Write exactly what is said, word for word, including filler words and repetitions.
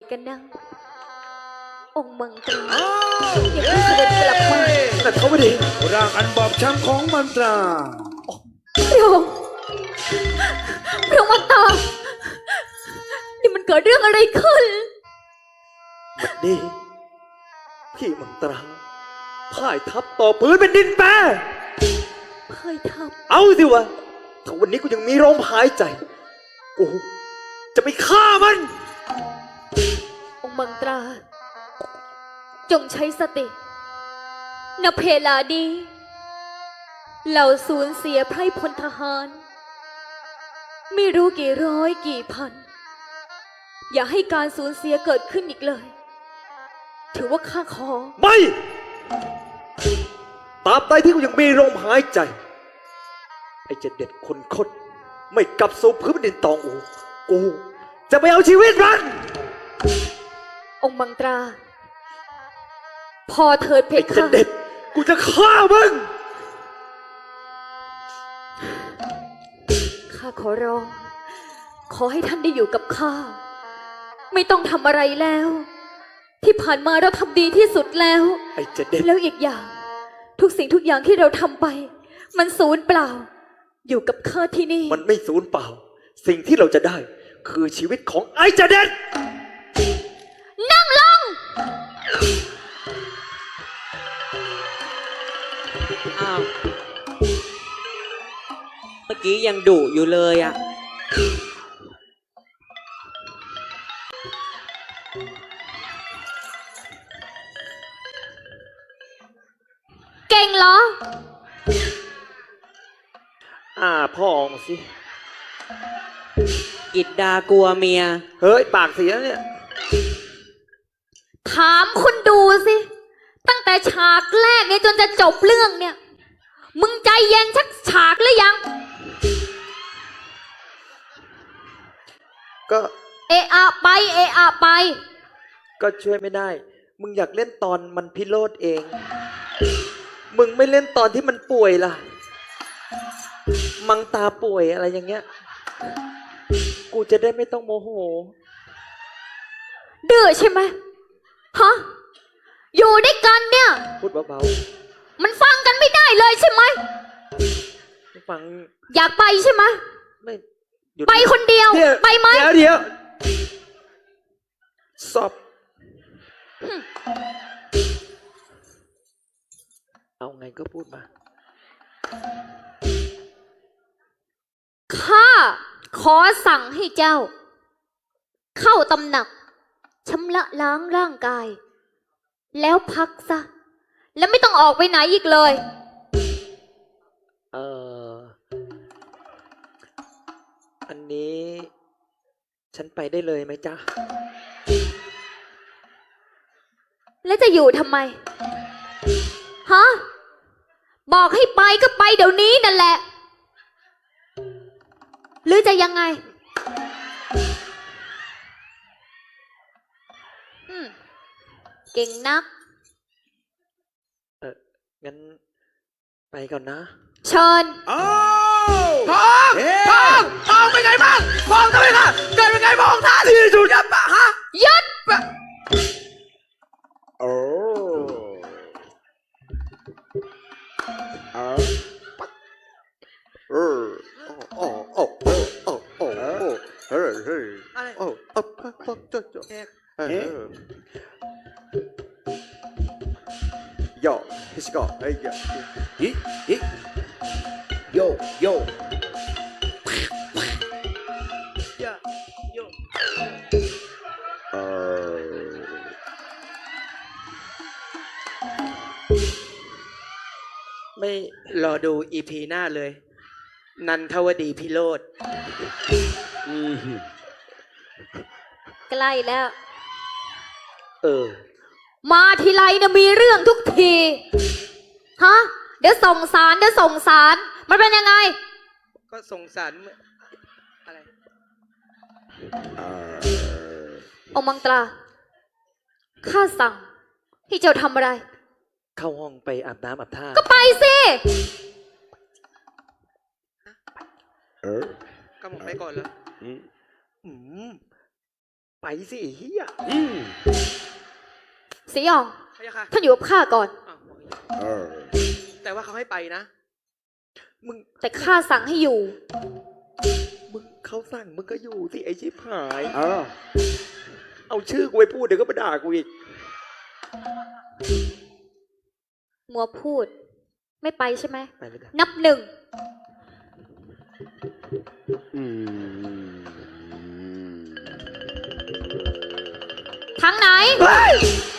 กันนะองค์มังกรอย่าเพิ่งเสด็จกลับมาแต่เขาไม่ดีร่างอันบอบช้ำของมันตราพระองค์พระองค์มังกรนี่มันเกิดเรื่องอะไรขึ้นบัดนี้พี่มังตราพ่ายทับต่อพื้นเป็นดินแปรพ่ายทับเอาสิวะถ้าวันนี้กูยังมีลมหายใจกูจะไปฆ่ามันองค์มังตราจงใช้สติณเพลาดีเราสูญเสียไพร่พลทหารไม่รู้กี่ร้อยกี่พันอย่าให้การสูญเสียเกิดขึ้นอีกเลยถือว่าข้าขอไม่ตราบใดที่กูยังมีลมหายใจไอ้เจ็ดเด็ดคนคดไม่กลับสู่พื้นดินตองอูกูจะไปเอาชีวิตมันองค์มังตราพอเถิดเพคะไอ้เจ็ดเด็ดกูจะฆ่ามึงข้าขอร้องขอให้ท่านได้อยู่กับข้าไม่ต้องทำอะไรแล้วที่ผ่านมาเราทำดีที่สุดแล้วไอ้เจ็ดเด็ดแล้วอีกอย่างทุกสิ่งทุกอย่างที่เราทำไปมันสูญเปล่าอยู่กับข้าที่นี่มันไม่สูญเปล่าสิ่งที่เราจะได้คือชีวิตของไอ้เจ็ดเด็ดนั่งลงอ้าวเมื่อกี้ยังดุอยู่เลยอะเก่งเหรออ่าพ่อออกสิกิดดากลัวเมียเฮ้ยปากเสียเนี่ยถามคุณดูสิตั้งแต่ฉากแรกเนี่ยจนจะจบเรื่องเนี่ยมึงใจเย็นชักฉากหรือยังก็เอะอะไปเอะอะไปก็ช่วยไม่ได้มึงอยากเล่นตอนมันพิโรธเองมึงไม่เล่นตอนที่มันป่วยล่ะมังตาป่วยอะไรอย่างเงี้ยกูจะได้ไม่ต้องโมโหดื้อใช่ไหมฮะอยู่ด้วยกันเนี่ยพูดเบาๆมันฟังกันไม่ได้เลยใช่ไหมฟังอยากไปใช่ไหมไม่ไปคนเดียวไปไหมเดี๋ยวเดี๋ยวสอบเอาไงก็พูดมาข้าขอสั่งให้เจ้าเข้าตำหนักชำระล้างร่างกายแล้วพักซะแล้วไม่ต้องออกไปไหนอีกเลยเอออันนี้ฉันไปได้เลยไหมจ๊ะแล้วจะอยู่ทำไมฮะบอกให้ไปก็ไปเดี๋ยวนี้นั่นแหละหรือจะยังไงอืมเก่งนักเอองั้นไปก่อนนะเชิญอ้าวทองทองทองเป็นไงบ้างทองทำไมคะเกิดเป็นไงบ้างท่านที่สุดยับปะฮะยัดโอ้เอาเออโอ้โอ้โอ้โอ้โอ้เฮ้ยเฮ้ยโอ้โอ้โอ้โจ๊ะโจ๊ะเฮ้ยโย่ฮิสโก้เฮ้ยฮิฮิโย่โย่ย่าโย่เออไม่รอดูอีพีหน้าเลยนันทวดีพิโรธใกล้แล้วเออมาทีไรเนี่ยมีเรื่องทุกทีฮะเดี๋ยวส่งสารเดี๋ยวส่งสารมันเป็นยังไงก็ส่งสารอะไรองค์มังตราข้าสั่งให้เจ้าทำอะไรเข้าห้องไปอาบน้ำอาบท่าก็ไปสิเออก็ผมไปก่อนแล้วอืมไปสิไอ้เฮียอืมสีหยองพะยะค่ะท่านอยู่กับข้าก่อนอ้าวบอกอย่างนี้เออแต่ว่าเขาให้ไปนะมึงแต่ข้าสั่งให้อยู่มึงเขาสั่งมึงก็อยู่สิไอ้ชิบหายเออเอาชื่อกูไปพูดเดี๋ยวก็มาด่ากูอีกมัวพูด ไม่ไปใช่ไหมไปไม่ได้นับหนึ่งอืมทางไหนเฮ้ย